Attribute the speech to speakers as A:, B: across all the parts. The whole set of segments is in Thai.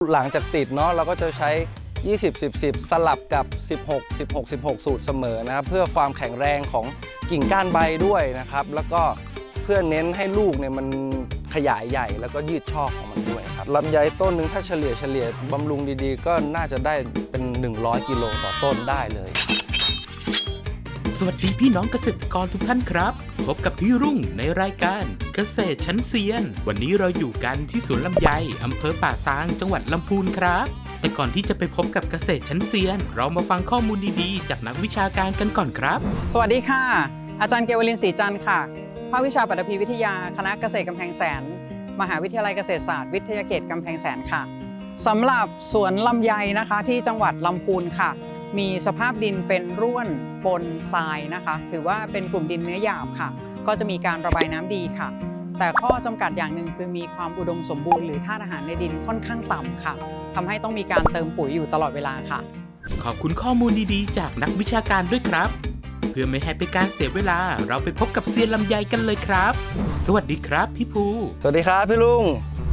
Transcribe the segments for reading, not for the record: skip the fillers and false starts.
A: หลังจากติดเนาะเราก็จะใช้20 10 10สลับกับ16 16 16สูตรเสมอนะครับเพื่อความแข็งแรงของกิ่งก้านใบด้วยนะครับแล้วก็เพื่อเน้นให้ลูกเนี่ยมันขยายใหญ่แล้วก็ยืดช่อของมันด้วยครับลำไยต้นหนึ่งถ้าเฉลี่ยบำรุงดีๆก็น่าจะได้เป็น100กิโลต่อต้นได้เลย
B: สวัสดีพี่น้องเกษตรกรทุกท่านครับพบกับพี่รุ่งในรายการเกษตรชั้นเซียนวันนี้เราอยู่กันที่สวนลำไยอำเภอป่าซางจังหวัดลำพูนครับแต่ก่อนที่จะไปพบกับเกษตรชั้นเซียนเรามาฟังข้อมูลดีๆจากนักวิชาการกันก่อนครับ
C: สวัสดีค่ะอาจารย์เกวลินศรีจันทร์ค่ะภาควิชาปฐพีวิทยาคณะเกษตรกำแพงแสนมหาวิทยาลัยเกษตรศาสตร์วิทยาเขตกำแพงแสนค่ะสำหรับสวนลำไยนะคะที่จังหวัดลำพูนค่ะมีสภาพดินเป็นร่วนปนทรายนะคะถือว่าเป็นกลุ่มดินเนื้อหยาบค่ะก็จะมีการระบายน้ำดีค่ะแต่ข้อจำกัดอย่างหนึ่งคือมีความอุดมสมบูรณ์หรือธาตุอาหารในดินค่อนข้างต่ำค่ะทำให้ต้องมีการเติมปุ๋ยอยู่ตลอดเวลาค่ะ
B: ขอบคุณข้อมูลดีๆจากนักวิชาการด้วยครับเพื่อไม่ให้เป็นการเสียเวลาเราไปพบกับเซียนลำไยกันเลยครับสวัสดีครับพี่ภู
A: สวัสดีครับพี่ลุง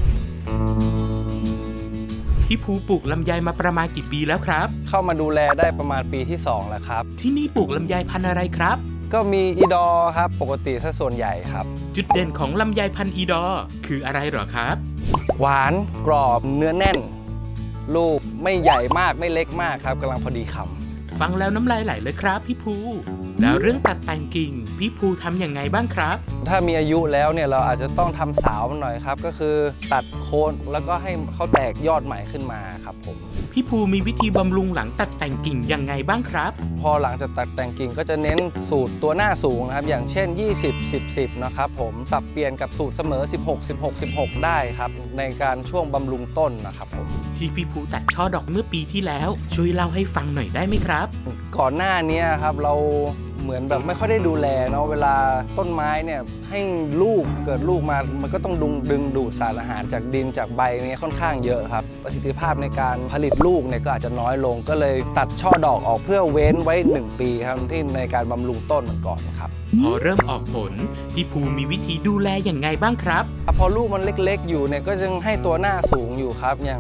B: พี่ภูปลูกลำไยมาประมาณกี่ปีแล้วครับ
A: เข้ามาดูแลได้ประมาณปีที่2แล้วครับ
B: ที่นี่ปลูกลำไยพันธุ์อะไรครับ
A: ก็มีอีดอครับปกติซะส่วนใหญ่ครับ
B: จุดเด่นของลำไยพันธุ์อีดอคืออะไรหรอครับ
A: หวานกรอบเนื้อแน่นลูกไม่ใหญ่มากไม่เล็กมากครับกำลังพอดีคำ
B: ฟังแล้วน้ำลายไหลเลยครับพี่ภูแล้วเรื่องตัดแต่งกิ่งพี่ภูทำอย่างไงบ้างครับ
A: ถ้ามีอายุแล้วเนี่ยเราอาจจะต้องทำสาวมันหน่อยครับก็คือตัดโคนแล้วก็ให้เขาแตกยอดใหม่ขึ้นมาครับผม
B: พี่ภูมีวิธีบำรุงหลังตัดแต่งกิ่งยังไงบ้างครับ
A: พอหลังจากตัดแต่งกิ่งก็จะเน้นสูตรตัวหน้าสูงนะครับอย่างเช่น20 10 10นะครับผมสับเปลี่ยนกับสูตรเสมอ16 16 16ได้ครับในการช่วงบำรุงต้นนะครับผม
B: ที่พี่ภูตัดช่อดอกเมื่อปีที่แล้วช่วยเล่าให้ฟังหน่อยได้ไหมครับ
A: ก่อนหน้านี้ครับเราเหมือนแบบไม่ค่อยได้ดูแลเนาะเวลาต้นไม้เนี่ยให้ลูกเกิดลูกมามันก็ต้องดึงดูดสารอาหารจากดินจากใบเนี่ยค่อนข้างเยอะครับประสิทธิภาพในการผลิตลูกเนี่ยก็อาจจะน้อยลงก็เลยตัดช่อดอกออกเพื่อเว้นไว้1ปีครับที่ในการบำรุงต้นมันก่อนครับ
B: พอเริ่มออกผลพี่ภูมีวิธีดูแลอย่างไงบ้างครับ
A: พอลูกมันเล็กๆอยู่เนี่ยก็ยังให้ตัวหน้าสูงอยู่ครับอย่าง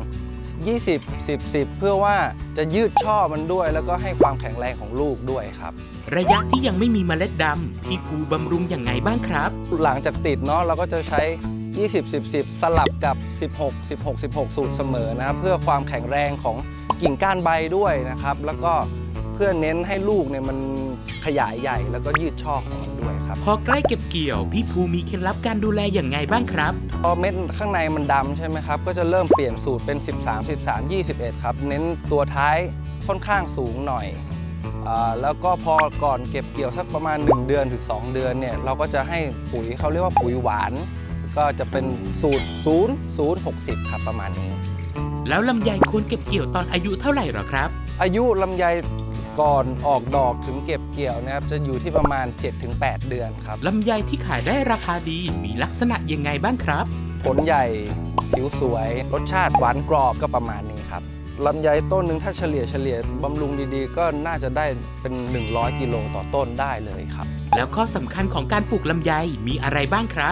A: 20 10 10เพื่อว่าจะยืดช่อมันด้วยแล้วก็ให้ความแข็งแรงของลูกด้วยครับ
B: ระยะที่ยังไม่มีเมล็ดดำพี่ภูบำรุงอย่างไงบ้างครับ
A: หลังจากติดเนาะเราก็จะใช้20 10 10สลับกับ16 16 16สูตรเสมอนะครับเพื่อความแข็งแรงของกิ่งก้านใบด้วยนะครับแล้วก็เพื่อเน้นให้ลูกเนี่ยมันขยายใหญ่แล้วก็ยืดช่อของมันด้วยครับ
B: พอใกล้เก็บเกี่ยวพี่ภูมีเคล็ดลับการดูแลอย่างไงบ้างครับ
A: พอเม็ดข้างในมันดำใช่ไหมครับก็จะเริ่มเปลี่ยนสูตรเป็น13 13 21ครับเน้นตัวท้ายค่อนข้างสูงหน่อยแล้วก็พอก่อนเก็บเกี่ยวสักประมาณ1เดือนถึง2เดือนเนี่ยเราก็จะให้ปุ๋ยเขาเรียกว่าปุ๋ยหวานก็จะเป็นสูตร0 0 60ครับประมาณนี้
B: แล้วลำไยควรเก็บเกี่ยวตอนอายุเท่าไหร่หรอครับ
A: อายุลำไยก่อนออกดอกถึงเก็บเกี่ยวนะครับจะอยู่ที่ประมาณ 7-8 เดือนครับ
B: ลำไยที่ขายได้ราคาดีมีลักษณะยังไงบ้างครับ
A: ผลใหญ่ผิวสวยรสชาติหวานกรอบก็ประมาณนี้ครับลำไยต้นหนึ่งถ้าเฉลี่ยบำรุงดีๆก็น่าจะได้เป็น100กิโลต่อต้นได้เลยครับ
B: แล้วข้อสำคัญของการปลูกลำไยมีอะไรบ้างครับ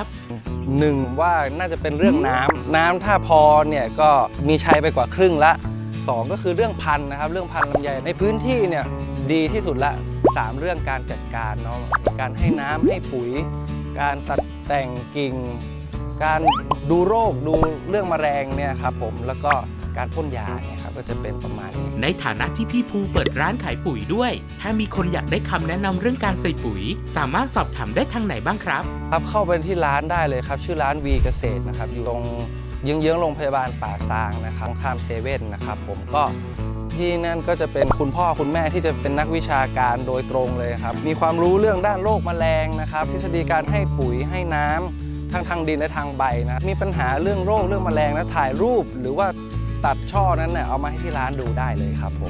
A: 1ว่าน่าจะเป็นเรื่องน้ำถ้าพอเนี่ยก็มีใช้ไปกว่าครึ่งละ2ก็คือเรื่องพันธุ์นะครับเรื่องพันธุ์ลำไยในพื้นที่เนี่ยดีที่สุดละ3เรื่องการจัดการเนาะการให้น้ำให้ปุ๋ยการตัดแต่งกิ่งการดูโรคดูเรื่องแมลงเนี่ยครับผมแล้วก็การพ่นยาเนี่ยครับก็จะเป็นประมาณนี้
B: ในฐานะที่พี่ภูเปิดร้านขายปุ๋ยด้วยถ้ามีคนอยากได้คำแนะนำเรื่องการใส่ปุ๋ยสามารถสอบถามได้ทางไหนบ้างครับ
A: ครับเข้าไปที่ร้านได้เลยครับชื่อร้านวีเกษตรนะครับอยู่ตรงเยื้องๆโรงพยาบาลป่าซางนะครับข้ามเซเว่นนะครับผมก็ที่นั่นก็จะเป็นคุณพ่อคุณแม่ที่จะเป็นนักวิชาการโดยตรงเลยครับมีความรู้เรื่องด้านโรคแมลงนะครับทฤษฎีการให้ปุ๋ยให้น้ำทั้งทางดินและทางใบนะมีปัญหาเรื่องโรคเรื่องแมลงนะถ่ายรูปหรือว่าตัดช่อนั้นเนี่ยเอามาให้ที่ร้านดูได้เลยครับผม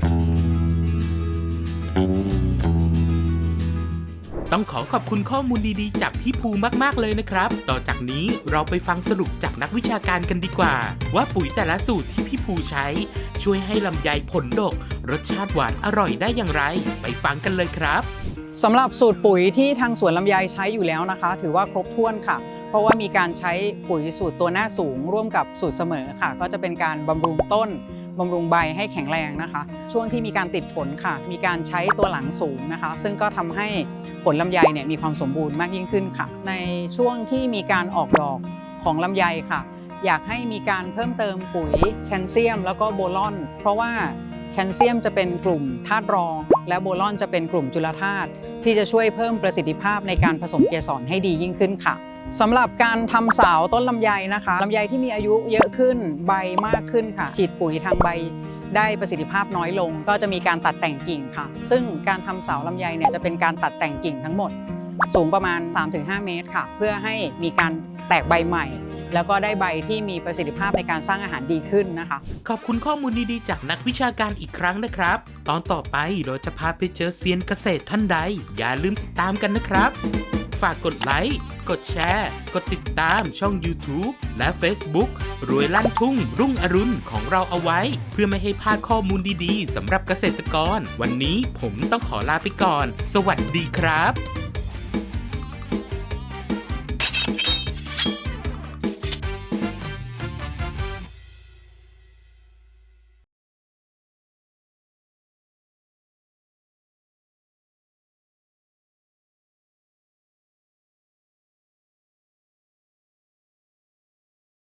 B: ต้องขอบคุณข้อมูลดีๆจากพี่ภูมากๆเลยนะครับต่อจากนี้เราไปฟังสรุปจากนักวิชาการกันดีกว่าว่าปุ๋ยแต่ละสูตรที่พี่ภูใช้ช่วยให้ลำไยผลดกรสชาติหวานอร่อยได้อย่างไรไปฟังกันเลยครับ
C: สำหรับสูตรปุ๋ยที่ทางสวนลำไยใช้อยู่แล้วนะคะถือว่าครบถ้วนค่ะเพราะว่ามีการใช้ปุ๋ยสูตรตัวหน้าสูงร่วมกับสูตรเสมอค่ะก็จะเป็นการบำรุงต้นบำรุงใบให้แข็งแรงนะคะช่วงที่มีการติดผลค่ะมีการใช้ตัวหลังสูงนะคะซึ่งก็ทำให้ผลลำไยเนี่ยมีความสมบูรณ์มากยิ่งขึ้นค่ะในช่วงที่มีการออกดอกของลำไยค่ะอยากให้มีการเพิ่มเติมปุ๋ยแคลเซียมแล้วก็โบรอน เพราะว่าแคลเซียมจะเป็นกลุ่มธาตุรองและโบรอนจะเป็นกลุ่มจุลธาตุที่จะช่วยเพิ่มประสิทธิภาพในการผสมเกสรให้ดียิ่งขึ้นค่ะสำหรับการทำเสาต้นลำไยนะคะลำไยที่มีอายุเยอะขึ้นใบมากขึ้นค่ะฉีดปุ๋ยทางใบได้ประสิทธิภาพน้อยลงก็จะมีการตัดแต่งกิ่งค่ะซึ่งการทำเสาลำไยเนี่ยจะเป็นการตัดแต่งกิ่งทั้งหมดสูงประมาณ 3-5 เมตรค่ะเพื่อให้มีการแตกใบใหม่แล้วก็ได้ใบที่มีประสิทธิภาพในการสร้างอาหารดีขึ้นนะคะ
B: ขอบคุณข้อมูลดีๆจากนักวิชาการอีกครั้งนะครับ ตอนต่อไปเราจะพาไปเจอเซียนเกษตรท่านใดอย่าลืมติดตามกันนะครับฝากกดไลค์กดแชร์กดติดตามช่อง YouTube และ Facebook รวยลั่นทุ่งรุ่งอรุณของเราเอาไว้เพื่อไม่ให้พลาดข้อมูลดีๆสำหรับเกษตรกรวันนี้ผมต้องขอลาไปก่อนสวัสดีครับ